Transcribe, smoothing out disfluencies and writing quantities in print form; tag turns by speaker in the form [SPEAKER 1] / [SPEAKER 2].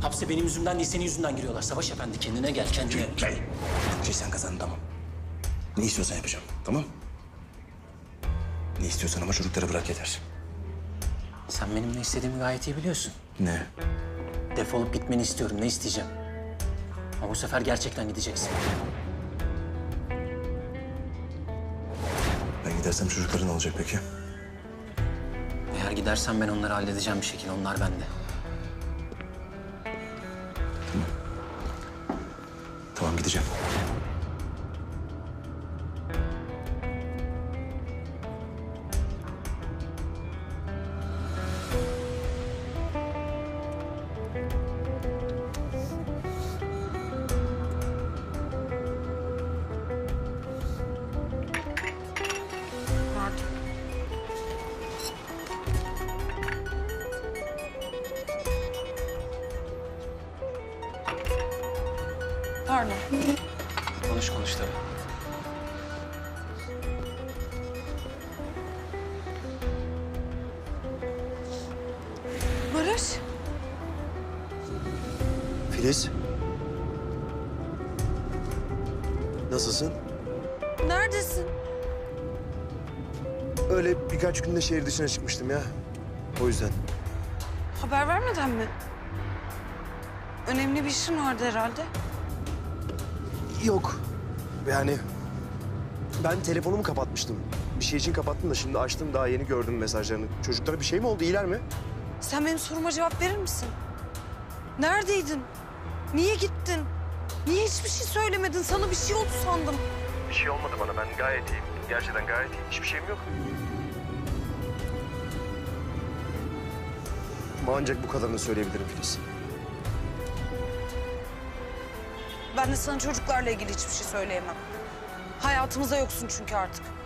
[SPEAKER 1] Hapse benim yüzümden değil, senin yüzünden giriyorlar. Savaş Efendi, kendine gel, kendine.
[SPEAKER 2] Gel. Sen kazandın, tamam. Ne istiyorsan yapacağım, tamam? Ne istiyorsan ama çocukları bırak yeter.
[SPEAKER 1] Sen benim ne istediğimi gayet iyi biliyorsun.
[SPEAKER 2] Ne?
[SPEAKER 1] Defolup gitmeni istiyorum, ne isteyeceğim? Ama bu sefer gerçekten gideceksin.
[SPEAKER 2] Ben gidersem çocukların ne olacak peki?
[SPEAKER 1] Eğer gidersen ben onları halledeceğim bir şekilde, onlar bende.
[SPEAKER 2] Tamam, gideceğim.
[SPEAKER 3] Pardon.
[SPEAKER 1] Konuş tabii.
[SPEAKER 3] Barış.
[SPEAKER 4] Filiz. Nasılsın?
[SPEAKER 3] Neredesin?
[SPEAKER 4] Öyle birkaç günde şehir dışına çıkmıştım ya. O yüzden.
[SPEAKER 3] Haber vermeden mi? Önemli bir işin vardı herhalde.
[SPEAKER 4] Yok. Yani ben telefonumu kapatmıştım. Bir şey için kapattım da şimdi açtım, daha yeni gördüm mesajlarını. Çocuklara bir şey mi oldu? İyiler mi?
[SPEAKER 3] Sen benim soruma cevap verir misin? Neredeydin? Niye gittin? Niye hiçbir şey söylemedin? Sana bir şey oldu sandım.
[SPEAKER 4] Bir şey olmadı bana. Ben gayet iyiyim. Gerçekten gayet iyiyim. Hiçbir şeyim yok. Ama ancak bu kadarını söyleyebilirim Filiz.
[SPEAKER 3] Ben de sana çocuklarla ilgili hiçbir şey söyleyemem. Hayatımıza yoksun çünkü artık.